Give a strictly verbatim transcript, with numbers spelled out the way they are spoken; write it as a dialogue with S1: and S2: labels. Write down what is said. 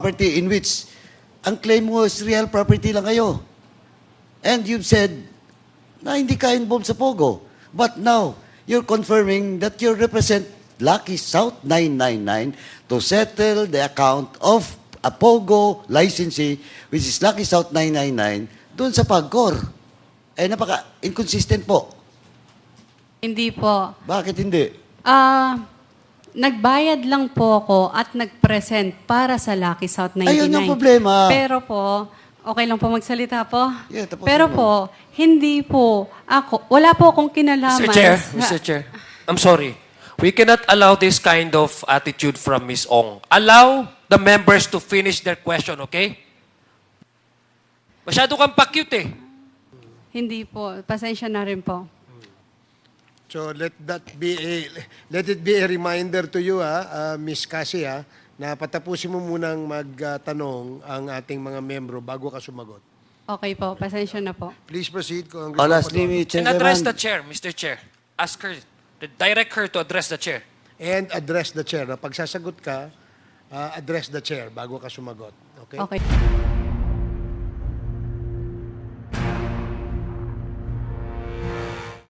S1: property in which ang claim mo is real property lang kayo. And you've said na hindi ka involved sa Pogo. But now, you're confirming that you represent Lucky South nine nine nine to settle the account of a Pogo licensee, which is Lucky South nine nine nine, doon sa Pagcor. Eh, napaka-inconsistent po.
S2: Hindi po.
S1: Bakit hindi?
S2: Ah, nagbayad lang po ako at nag-present para sa Lucky South ninety-nine.
S1: Ayun yung problema.
S2: Pero po, okay lang po magsalita po?
S1: Yeah, tapusin
S2: Pero
S1: mo.
S2: po, hindi po ako, wala po akong kinalaman.
S3: Mister Chair,
S2: sa-
S3: Mister Chair, I'm sorry. We cannot allow this kind of attitude from Miz Ong. Allow the members to finish their question, okay? Masyado kang pa-cute eh.
S2: Hindi po. Pasensya na rin po.
S4: So let that be a let it be a reminder to you ha, uh, Miss Cassie ha, na patapusin mo munang magtanong ang ating mga membro bago ka sumagot.
S2: Okay po. Pasensya na po.
S4: Please proceed. Kung
S1: Oh, lastly,
S3: And address
S1: Chairman,
S3: the chair, Mister Chair. Ask her, direct her to address the chair.
S4: And address the chair. Na pag sasagot ka, uh, address the chair bago ka sumagot. Okay?
S2: Okay.